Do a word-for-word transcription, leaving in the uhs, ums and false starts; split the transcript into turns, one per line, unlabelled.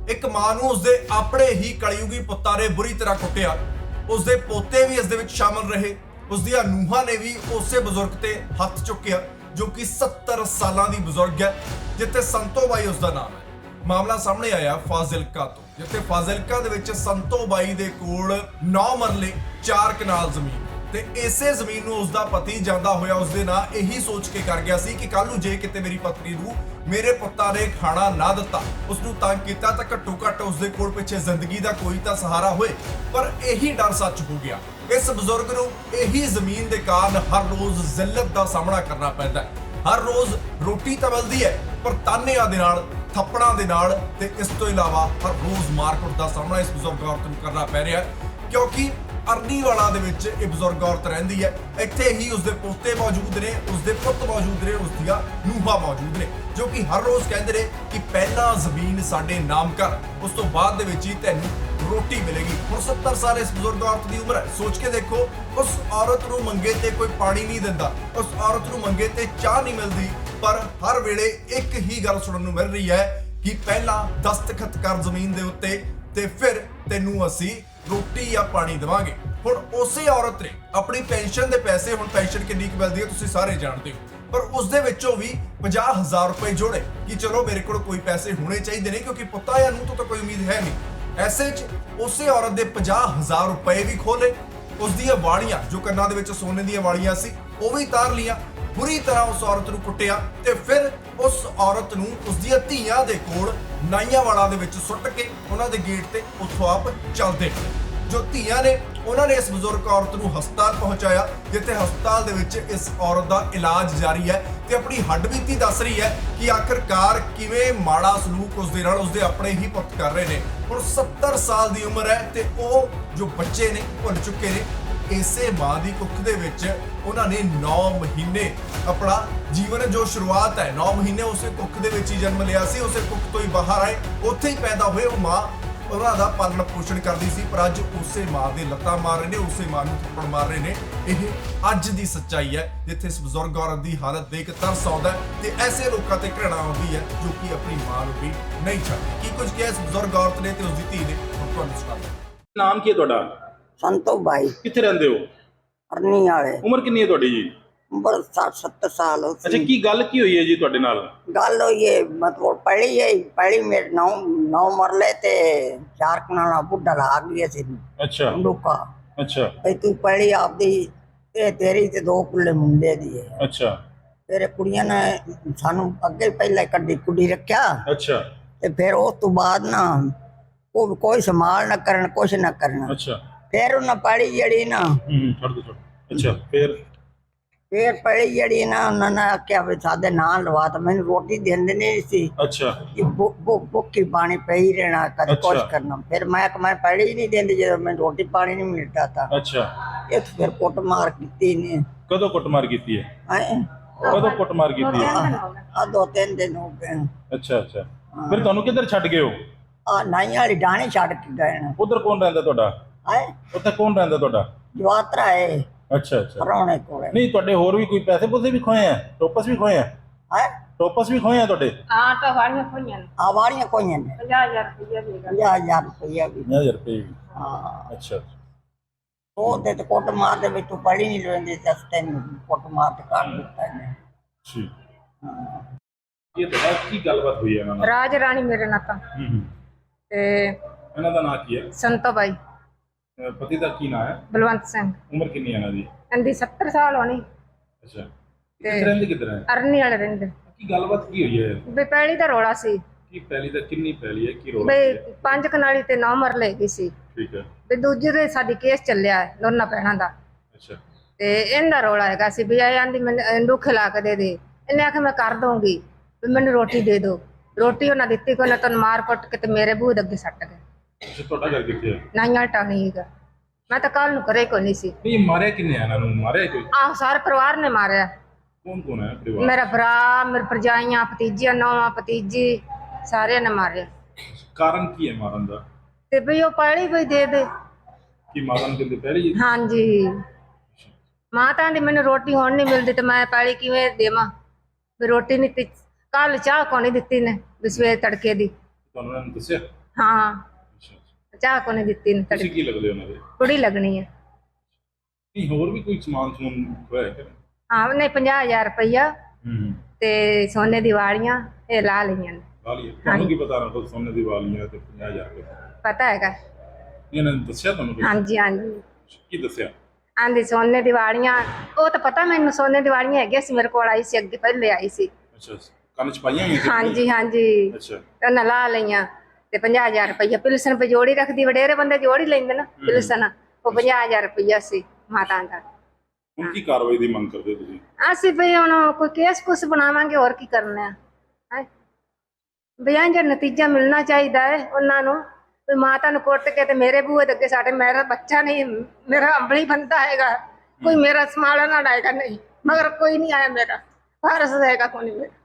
एक मां नूं उसदे अपने ही कलयुगी पुत्तां ने बुरी तरह कुੱਟਿਆ। उसदे पोते भी इस दे विच शामिल रहे। उसदियां ਨੂੰਹਾਂ ने भी उसे बुजुर्ग ते हथ चुक्या जो कि सत्तर सालां दी बुजुर्ग है, जिथे संतो बाई उसका नाम है। मामला सामने आया फाजिलका तो, जिथे फाजिलका दे विच संतो बाई दे कोल नौ मरले चार कनाल जमीन ਤੇ ਇਸੇ ਜ਼ਮੀਨ ਨੂੰ ਉਸਦਾ ਪਤੀ ਜਾਂਦਾ ਹੋਇਆ ਉਸਦੇ ਨਾਲ ਇਹੀ ਸੋਚ ਕੇ ਕਰ ਗਿਆ ਸੀ ਕਿ ਕੱਲ ਨੂੰ ਜੇ ਕਿਤੇ ਮੇਰੀ ਪਤਨੀ ਨੂੰ ਮੇਰੇ ਪੁੱਤਾਂ ਨੇ ਖਾਣਾ ਨਾ ਦਿੱਤਾ, ਉਸ ਨੂੰ ਤੰਗ ਕੀਤਾ ਤਾਂ ਘੱਟੋ ਘੱਟ ਉਸਦੇ ਕੋਲ ਪਿੱਛੇ ਜ਼ਿੰਦਗੀ ਦਾ ਕੋਈ ਤਾਂ ਸਹਾਰਾ ਹੋਏ। ਪਰ ਇਹੀ ਡਰ ਸੱਚ ਹੋ ਗਿਆ। ਇਸ ਬਜ਼ੁਰਗ ਨੂੰ ਇਹੀ ਜ਼ਮੀਨ ਦੇ ਕਾਰਨ ਹਰ ਰੋਜ਼ ਜ਼ਿਲਤ ਦਾ ਸਾਹਮਣਾ ਕਰਨਾ ਪੈਂਦਾ ਹੈ। ਹਰ ਰੋਜ਼ ਰੋਟੀ ਤਾਂ ਮਿਲਦੀ ਹੈ, ਪਰ ਤਾਨਿਆਂ ਦੇ ਨਾਲ, ਥੱਪੜਾਂ ਦੇ ਨਾਲ ਤੇ ਇਸ ਤੋਂ ਇਲਾਵਾ ਹਰ ਰੋਜ਼ ਮਾਰਕੁੱਟ ਦਾ ਸਾਹਮਣਾ ਇਸ ਬਜ਼ੁਰਗ ਔਰਤ ਨੂੰ ਕਰਨਾ ਪੈ ਰਿਹਾ ਹੈ, ਕਿਉਂਕਿ ਅਰਨੀਵਾਲਾ ਦੇ ਵਿੱਚ ਇਹ ਬਜ਼ੁਰਗ ਔਰਤ ਰਹਿੰਦੀ ਹੈ। ਇੱਥੇ ਹੀ ਉਸਦੇ ਪੋਤੇ ਮੌਜੂਦ ਨੇ, ਉਸਦੇ ਪੁੱਤ ਮੌਜੂਦ ਨੇ, ਉਸਦੀਆਂ ਨੂੰਹਾਂ ਮੌਜੂਦ ਨੇ, ਜੋ ਕਿ ਹਰ ਰੋਜ਼ ਕਹਿੰਦੇ ਨੇ ਕਿ ਪਹਿਲਾਂ ਜ਼ਮੀਨ ਸਾਡੇ ਨਾਮ ਕਰ, ਉਸ ਤੋਂ ਬਾਅਦ ਦੇ ਵਿੱਚ ਹੀ ਤੈਨੂੰ ਰੋਟੀ ਮਿਲੇਗੀ। ਹੁਣ ਸੱਤਰ ਸਾਲ ਇਸ ਬਜ਼ੁਰਗ ਔਰਤ ਦੀ ਉਮਰ ਹੈ। ਸੋਚ ਕੇ ਦੇਖੋ, ਉਸ ਔਰਤ ਨੂੰ ਮੰਗੇ ਤੇ ਕੋਈ ਪਾਣੀ ਨਹੀਂ ਦਿੰਦਾ, ਉਸ ਔਰਤ ਨੂੰ ਮੰਗੇ ਤੇ ਚਾਹ ਨਹੀਂ ਮਿਲਦੀ, ਪਰ ਹਰ ਵੇਲੇ ਇੱਕ ਹੀ ਗੱਲ ਸੁਣਨ ਨੂੰ ਮਿਲ ਰਹੀ ਹੈ ਕਿ ਪਹਿਲਾਂ ਦਸਤਖਤ ਕਰ ਜ਼ਮੀਨ ਦੇ ਉੱਤੇ ਤੇ ਫਿਰ ਤੈਨੂੰ ਅਸੀਂ रोटी या पानी देवांगे। हुण उसे औरत ने अपनी पेंशन के पैसे, हुण पेंशन कितनी मिलती है तुसीं सारे जानते हो, पर उस दे विचों भी पचास हजार रुपए जोड़े कि चलो मेरे को कोई पैसे होने चाहिए ने, क्योंकि पुत्ता या नूं तो, तो कोई उम्मीद है नहीं। ऐसे च उसे औरत के पचास हजार रुपए भी खोले, उसदियां वालियां जो कन्नां दे विच सोने दीयां वालियां सी वो भी तार लिया, बुरी तरह उस औरत नूं कुੱਟਿਆ ते फिर उस औरत नूं उसदियां धीआं दे कोल नाइयांवाला दे विच सुੱਟ के उन्हां दे गेट ते उत्थों आप चलदे। जो धीआं ने उन्होंने इस बजुर्ग औरत नूं हस्पताल पहुंचाया, जिथे हस्पताल दे विच इस औरत दा इलाज जारी है ते अपनी हड्डबीती दस रही है कि आखिरकार किवें माड़ा सलूक उसदे नाल उसदे अपने ही पुੱਤ कर रहे ने। हुण सत्तर साल दी उम्र है ते ਉਹ जो बच्चे ने भुल चुके ने। इसे मां दी कुख दे विच उन्हां ने नौ महीने अपना जीवन जो शुरुआत है, नौ महीने उसे कुख दे विच ही जन्म लिया सी, उसे कुख तो ही बाहर आए, उत्थे ही पैदा हुए। वो मां ਉਹਨਾਂ ਦਾ ਪਾਲਣ ਪੋਸ਼ਣ ਕਰਦੀ ਸੀ, ਪਰ ਅੱਜ ਉਸੇ ਮਾਂ ਦੇ ਲੱਤਾਂ ਮਾਰ ਰਹੇ ਨੇ, ਉਸੇ ਮਾਂ ਨੂੰ ਥੱਪੜ ਮਾਰ ਰਹੇ ਨੇ। ਇਹ ਅੱਜ ਦੀ ਸੱਚਾਈ ਹੈ, ਜਿੱਥੇ ਇਸ ਬਜ਼ੁਰਗ ਔਰਤ ਦੀ ਹਾਲਤ ਦੇਖ ਤਰਸ ਆਉਂਦਾ ਤੇ ਐਸੇ ਲੋਕਾਂ ਤੇ ਘৃਣਾ ਆਉਂਦੀ ਹੈ ਜੋ ਕਿ ਆਪਣੀ ਮਾਂ ਨੂੰ ਵੀ ਨਹੀਂ ਛੱਡਦੇ। ਕੀ ਕੁਝ ਕਿਹਾ ਇਸ ਬਜ਼ੁਰਗ ਔਰਤ ਨੇ ਤੇ ਉਸ ਦੀ ਧੀ ਨੇ, ਹੁਣ ਤੁਹਾਨੂੰ ਸੁਣਾਉਂਦਾ।
ਨਾਮ ਕੀ ਹੈ ਤੁਹਾਡਾ?
ਸੰਤੋ ਬਾਈ।
ਕਿੱਥੇ ਰਹਿੰਦੇ ਹੋ?
ਅਰਨੀ ਵਾਲੇ।
ਉਮਰ ਕਿੰਨੀ ਹੈ ਤੁਹਾਡੀ ਜੀ?
ਉਮਰ ਸੱਠ ਸੱਤਰ ਸਾਲ ਹੋ
ਅੱਛਾ, ਕੀ ਗੱਲ ਕੀ ਹੋਈ ਹੈ ਜੀ ਤੁਹਾਡੇ ਨਾਲ?
ਗੱਲ ਹੋਈ ਹੈ ਮਤਲਬ ਪੜੀ ਹੈ ਪੜੀ ਮੇਰੇ ਨੌ ਨੌ ਮਰਲੇ ਤੇ ਚਾਰ ਕਨਾਲਾ ਬੁੱਢਾ ਲਾ ਗਿਆ ਸੀ।
ਅੱਛਾ
ਲੋਕਾ।
ਅੱਛਾ
ਤੇ ਤੂੰ ਪੜੀ ਆਪਦੀ ਤੇ ਤੇਰੀ ਤੇ ਦੋ ਕੁੱਲੇ ਮੁੰਡੇ ਦੀ ਹੈ।
ਅੱਛਾ।
ਤੇਰੇ ਕੁੜੀਆਂ ਨੇ ਸਾਨੂੰ ਅੱਗੇ ਪਹਿਲਾਂ ਕੱਢੀ ਕੁੜੀ ਰੱਖਿਆ।
ਅੱਛਾ।
ਤੇ ਫਿਰ ਉਸ ਤੋਂ ਬਾਅਦ ਨਾ ਉਹ ਕੋਈ ਸੰਭਾਲ ਨਾ ਕਰਨ, ਕੁਛ ਨਾ ਕਰਨਾ।
ਅੱਛਾ।
ਫਿਰ ਉਹਨਾਂ ਪੜੀ ਜਿਹੜੀ ਨਾ
ਹੂੰ ਛੱਡ ਦੋ ਛੱਡ। ਅੱਛਾ। ਫਿਰ
ਫਿਰ ਪੜੀ ਜਿਹੜੀ ਨਾ ਉਹਨਾਂ ਨੇ ਆਖਿਆ ਵੀ ਸਾਡੇ ਨਾਂ ਲਵਾ ਤਾਂ ਮੈਨੂੰ ਰੋਟੀ ਦਿੰਦੇ ਨਹੀਂ ਸੀ।
ਅੱਛਾ।
ਕਿ ਭੁੱਖੀ ਪਾਣੀ ਪਈ ਰਹਿਣਾ, ਕਦੇ ਕੁਛ ਕਰਨਾ। ਫਿਰ ਮੈਂ ਮੈਂ ਪੜੀ ਨਹੀਂ ਦਿੰਦੀ ਜਦੋਂ ਮੈਨੂੰ ਰੋਟੀ ਪਾਣੀ ਨਹੀਂ ਮਿਲਦਾ ਤਾਂ।
ਅੱਛਾ।
ਇਹ ਫਿਰ ਕੁੱਟ ਮਾਰ ਕੀਤੀ ਨੇ।
ਕਦੋਂ ਕੁੱਟਮਾਰ ਕੀਤੀ ਹੈ?
ਹੈਂ?
ਕਦੋਂ ਕੁੱਟਮਾਰ ਕੀਤੀ ਹੈ?
ਆ ਦੋ ਤਿੰਨ ਦਿਨ ਹੋ ਗਏ।
ਅੱਛਾ ਅੱਛਾ। ਫਿਰ ਤੁਹਾਨੂੰ ਕਿੱਧਰ ਛੱਡ ਗਏ ਹੋ?
ਆ ਨਾਈਆਂ ਵਾਲੀ ਡਾਣੀ ਛੱਡ ਕੇ ਗਏ ਨੇ।
ਉਧਰ ਕੌਣ ਰਹਿੰਦਾ ਤੁਹਾਡਾ?
ਹੈ
ਉੱਥੇ ਕੌਣ ਰਹਿੰਦਾ ਤੁਹਾਡਾ?
ਜਵਾਤਰਾ ਹੈ।
ਅੱਛਾ ਅੱਛਾ।
ਪਰਾਉਣੇ ਕੋਲੇ।
ਨਹੀਂ ਤੁਹਾਡੇ ਹੋਰ ਵੀ ਕੋਈ ਪੈਸੇ ਪੂਸੇ ਵੀ ਖੋਏ ਆ? ਟੋਪਸ ਵੀ ਖੋਏ ਆ?
ਹੈ
ਟੋਪਸ ਵੀ ਖੋਏ ਆ ਤੁਹਾਡੇ?
ਹਾਂ ਤਾਂ ਵਾਲੀਆਂ ਖੋਈਆਂ ਨੇ।
ਆ ਵਾਲੀਆਂ ਕੋਈਆਂ ਨੇ।
ਪੰਜਾਹ ਹਜ਼ਾਰ ਰੁਪਈਆ ਵੀ ਹੈਗਾ।
ਪੰਜਾਹ ਹਜ਼ਾਰ ਰੁਪਈਆ ਵੀ।
ਪੰਜਾਹ ਹਜ਼ਾਰ ਰੁਪਏ ਵੀ?
ਹਾਂ।
ਅੱਛਾ।
ਉਹ ਤੇ ਕੁੱਟ ਮਾਰ ਦੇ ਵਿੱਚ ਤੂੰ ਪੜੀ ਨਹੀਂ ਲੈਂਦੀ ਤੇ ਤੈਨੂੰ ਕੁੱਟ ਮਾਰ ਤੇ ਕੱਢ ਦਿੱਤਾ ਇਹਨੇ।
ਠੀਕ। ਇਹ ਤਾਂ ਕੀ ਗੱਲਬਾਤ ਹੋਈ ਹੈ ਇਹਨਾਂ ਨਾਲ?
ਰਾਜ ਰਾਣੀ ਮੇਰੇ ਨਾਲ ਤਾਂ।
ਹੂੰ ਹੂੰ।
ਤੇ
ਇਹਨਾਂ ਦਾ ਨਾਂ ਕੀ ਹੈ?
ਸੰਤੋ ਬਾਈ।
ਅਹ ਪਤੀ ਦਾ ਕੀ ਨਾਂ ਹੈ?
ਬਲਵੰਤ ਸਿੰਘ।
ਉਮਰ ਕਿੰਨੀ ਹੈ ਇਹਨਾਂ ਦੀ?
ਇਹਦੀ ਸੱਤਰ ਸਾਲ ਹੋਣੀ।
ਅੱਛਾ। ਕਿੱਥੇ ਰਹਿੰਦੇ ਕਿੱਧਰ ਹੈ?
ਅਰਨੀ ਵਾਲੇ ਰਹਿੰਦੇ।
ਕੀ ਗੱਲਬਾਤ ਕੀ ਹੋਈ ਹੈ?
ਵੀ ਪਹਿਲੀ ਦਾ ਰੋਲਾ ਸੀ।
ਕੀ ਪਹਿਲੀ ਦਾ ਕਿੰਨੀ ਪਹਿਲੀ ਹੈ? ਕੀ ਰੋਲ ਹੈ?
ਵੀ ਪੰਜ ਕਨਾਲੀ ਤੇ ਨੌ ਮਰਲੇ ਗਈ ਸੀ।
ਠੀਕ ਹੈ।
ਵੀ ਦੂਜੇ ਦੇ ਸਾਡੀ ਕੇਸ ਚੱਲਿਆ ਹੈ ਦੋਨਾਂ ਭੈਣਾਂ ਦਾ।
ਅੱਛਾ।
ਤੇ ਇਹਦਾ ਰੋਲਾ ਹੈਗਾ ਸੀ ਵੀ ਇਹ ਆਂਦੀ ਮੈਨੂੰ ਦੁੱਖ ਲਾ ਕੇ ਦੇ ਦੇ। ਇਹਨੇ ਆਖਿਆ ਮੈਂ ਕਰ ਦਊਂਗੀ, ਵੀ ਮੈਨੂੰ ਰੋਟੀ ਦੇ ਦਿਓ। ਰੋਟੀ ਉਹਨਾਂ ਦਿੱਤੀ, ਕੋਈ ਨਾ ਤੈਨੂੰ ਮਾਰ ਕੁੱਟ ਕੇ ਤੇ ਮੇਰੇ ਬੂਹ ਦੇ ਅੱਗੇ ਸੱਟ ਗਏ।
ਅੱਛਾ। ਤੁਹਾਡਾ ਘਰ ਕਿੱਥੇ ਹੈ?
ਨਾਈਆਂ ਟਾਣੀ ਹੈਗਾ। ਮੈਂ ਤਾਂ ਕੱਲ ਨੂੰ ਘਰੇ ਕੋਈ ਨਹੀਂ ਸੀ।
ਨਹੀਂ ਮਾਰਿਆ ਕਿੰਨੇ? ਇਹਨਾਂ ਨੂੰ ਮਾਰਿਆ ਕੋਈ?
ਆਹ ਸਾਰੇ ਪਰਿਵਾਰ ਨੇ ਮਾਰਿਆ।
ਕੌਣ ਕੌਣ ਹੈ ਪਰਿਵਾਰ?
ਮੇਰਾ ਭਰਾ, ਮੇਰੇ ਭਰਜਾਈਆਂ, ਭਤੀਜੀਆਂ, ਨੌਵਾਂ ਭਤੀਜੀ, ਸਾਰਿਆਂ ਨੇ ਮਾਰਿਆ।
ਕਾਰਨ ਕੀ ਹੈ ਮਾਰਨ ਦਾ?
ਤੇ ਵੀ ਉਹ ਪਹਿਲੀ ਵੀ ਦੇ ਦੇ।
ਕੀ ਮਾਰਨ ਕਿੰਦੇ ਪਹਿਲੀ?
ਹਾਂਜੀ। ਮਾਤਾ ਦੀ ਮੈਨੂੰ ਰੋਟੀ ਹੁਣ ਨਹੀਂ ਮਿਲਦੀ ਤੇ ਮੈਂ ਪਹਿਲੀ ਕਿਵੇਂ ਦੇਵਾਂ? ਵੀ ਰੋਟੀ ਨਹੀਂ, ਕੱਲ ਚਾਹ ਕੋ ਨਹੀਂ ਦਿੱਤੀ ਨੇ, ਵੀ ਸਵੇਰ ਤੜਕੇ ਦੀ।
ਤੁਹਾਨੂੰ ਇਹਨਾਂ ਨੇ ਦੱਸਿਆ?
ਹਾਂ
ਅੱਛਾ ਅੱਛਾ।
ਚਾਹ ਕੋਨੇ ਦਿੱਤੀ ਨੀ
ਤੁਸੀਂ
ਤੜਕੇ
ਕੀ ਲੱਗਦੇ ਉਹਨਾਂ ਦੇ?
ਕੁੜੀ ਲੱਗਣੀ ਹੈ।
ਨਹੀਂ ਹੋਰ ਵੀ ਕੋਈ ਸਮਾਨ ਸਮੂਨ ਹੋਇਆ ਕਿ?
ਹਾਂ ਉਹਨੇ ਪੰਜਾਹ ਹਜ਼ਾਰ ਰੁਪਈਆ
ਹੂੰ
ਤੇ ਸੋਨੇ ਦੀ ਵਾਲੀਆਂ ਇਹ ਲਾ ਲਈਆਂ ਨੇ।
ਲਾ ਲਈ ਤੁਹਾਨੂੰ ਕੀ ਪਤਾ ਨਾ ਕੋਈ ਸੋਨੇ ਦੀ ਵਾਲੀਆਂ ਤੇ ਪੰਜਾਹ ਹਜ਼ਾਰ ਰੁਪਏ
ਪਤਾ ਹੈਗਾ।
ਇਹਨਾਂ ਨੇ ਦੱਸਿਆ ਤੁਹਾਨੂੰ ਕੁਛ?
ਹਾਂਜੀ ਹਾਂਜੀ
ਕੀ ਦੱਸਿਆ?
ਆਂਦੀ ਸੋਨੇ ਦੀ ਵਾਲੀਆਂ ਉਹ ਤਾਂ ਪਤਾ ਮੈਨੂੰ ਸੋਨੇ ਦੀ ਵਾਲੀਆਂ ਹੈਗੀਆਂ ਸੀ ਮੇਰੇ ਕੋਲ ਆਈ ਸੀ ਅੱਗੇ ਪਹਿਲੇ ਆਈ ਸੀ।
ਅੱਛਾ ਅੱਛਾ। ਕੰਨ ਚ ਪਾਈਆਂ ਹੋਈਆਂ ਸੀ?
ਹਾਂਜੀ ਹਾਂਜੀ
ਅੱਛਾ
ਉਹਨਾਂ ਲਾ ਲਈਆਂ ਤੇ ਪੰਜਾਹ ਹਜ਼ਾਰ ਰੁਪਈਆ ਪਿਲਸਨ ਪੇ ਜੋੜੀ ਰੱਖਦੀ ਵਡੇਰੇ ਬੰਦੇ ਜੋੜੀ ਲੈਂਦੇ ਨਾ ਪਿਲਸਨ ਉਹ ਪੰਜਾਹ ਹਜ਼ਾਰ ਰੁਪਈਆ ਸੀ ਮਾਤਾ ਦਾ।
ਹੁਣ ਕੀ ਕਾਰਵਾਈ ਦੀ ਮੰਗ ਕਰਦੇ ਹੋ ਤੁਸੀਂ?
ਅਸੀਂ ਵੀ ਹੁਣ ਕੋਈ ਕੇਸ ਕੁਸ ਬਣਾਵਾਂਗੇ ਹੋਰ ਕੀ ਕਰਨਾ ਹੈ ਬਿਆਂ ਜੋ ਨਤੀਜਾ ਮਿਲਣਾ ਚਾਹੀਦਾ ਹੈ ਉਹਨਾਂ ਨੂੰ ਵੀ ਮਾਤਾ ਨੂੰ ਕੁੱਟ ਕੇ ਤੇ ਮੇਰੇ ਬੂਹੇ ਦੇ ਅੱਗੇ ਸਾਡੇ ਮੇਰਾ ਬੱਚਾ ਨਹੀਂ ਮੇਰਾ ਅੰਬਲੀ ਬੰਦਾ ਹੈਗਾ ਕੋਈ ਮੇਰਾ ਸਮਾਲਣ ਨਾ ਆਏਗਾ ਨਹੀਂ ਮਗਰ ਕੋਈ ਨਹੀਂ ਆਇਆ ਮੇਰਾ ਵਾਰਸ ਹੈਗਾ ਕੋਈ ਨਹੀਂ ਮੇਰਾ।